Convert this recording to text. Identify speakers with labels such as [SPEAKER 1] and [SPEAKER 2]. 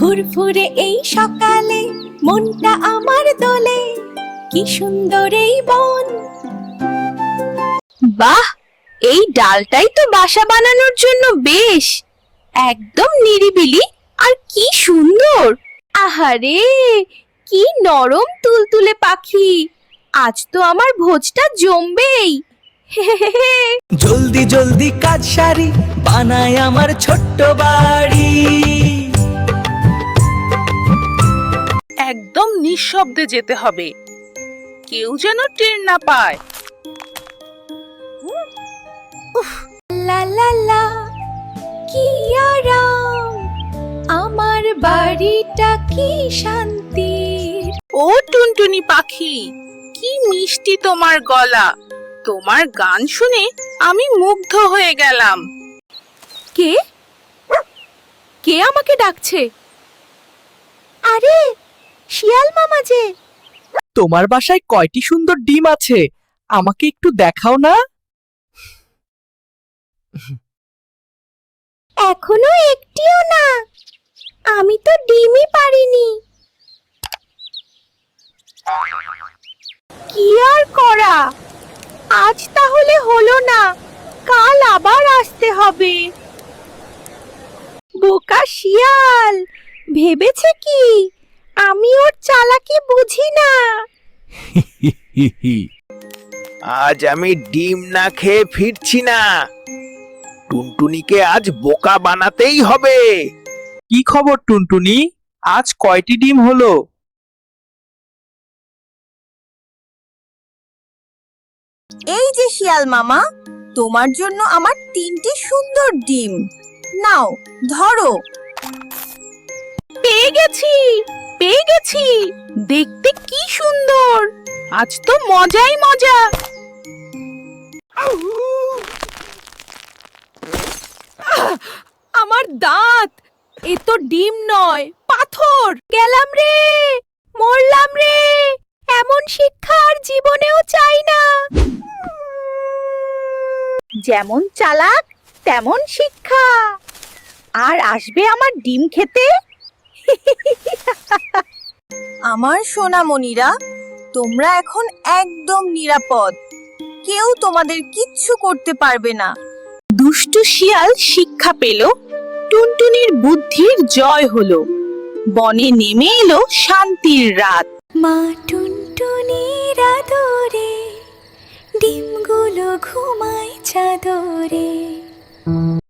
[SPEAKER 1] ফুরফুরে এই সকালে মনটা আমার দোলে, কি সুন্দর এই বন। বাহ, এই ডালটাই তো বাসা বানানোর জন্য বেশ, একদম নিরিবিলি আর কি সুন্দর। আহারে, কি নরম তুলতুলে পাখি, আজ তো আমার ভোজটা জমবেই।
[SPEAKER 2] জলদি জলদি কাজ সারি, বানাই আমার ছোট্ট বাড়ি।
[SPEAKER 3] একদম নিঃশব্দে যেতে হবে, কেউ যেন টের না পায়।
[SPEAKER 1] লা লা লা, কি আরাম, আমার বাড়িটা কি শান্তির।
[SPEAKER 3] ও টুনটুনি পাখি, কি মিষ্টি তোমার গলা, তোমার গান শুনে আমি মুগ্ধ হয়ে গেলাম।
[SPEAKER 1] কে কে আমাকে ডাকছে? আরে, শিয়াল মামা যে।
[SPEAKER 2] তোমার বাসায় কয়টি সুন্দর ডিম আছে, আমাকে একটু দেখাও না?
[SPEAKER 1] এখনো একটিও না, আমি তো ডিমই পারিনি। কি আর করা, আজ তাহলে হলো না, কাল আবার আসতে হবে। বোকা শিয়াল ভেবেছে কি আমি ওর চালাকি বুঝি না।
[SPEAKER 4] আজ আমি ডিম না খেয়ে ফিরছি না, টুনটুনিকে আজ বোকা বানাতেই হবে।
[SPEAKER 2] কি খবর টুনটুনি, আজ কয়টি ডিম হলো?
[SPEAKER 5] এই যে শিয়াল মামা, তোমার জন্য আমার 3টি সুন্দর ডিম, নাও ধরো।
[SPEAKER 3] পেয়ে গেছি, পেয়ে গেছি, দেখতে কি সুন্দর, আজ তো মজাই মজা।
[SPEAKER 1] আমার দাঁত, এ তো ডিম নয় পাথর। গেলাম রে, মরলাম রে, এমন শিক্ষা আর জীবনেও চাই না। যেমন চালাক তেমন শিক্ষা, আর আসবে আমার ডিম খেতে।
[SPEAKER 5] আমার সোনামণিরা, তোমরা এখন একদম নিরাপদ, কেউ তোমাদের কিচ্ছু করতে পারবে না।
[SPEAKER 3] দুষ্টু শিয়াল শিক্ষা পেল, টুনটুনির বুদ্ধির জয় হলো, বনে নেমে এলো শান্তির রাত।
[SPEAKER 1] মা টুনটুনির আদরে ডিমগুলো ঘুমায় চাদরে।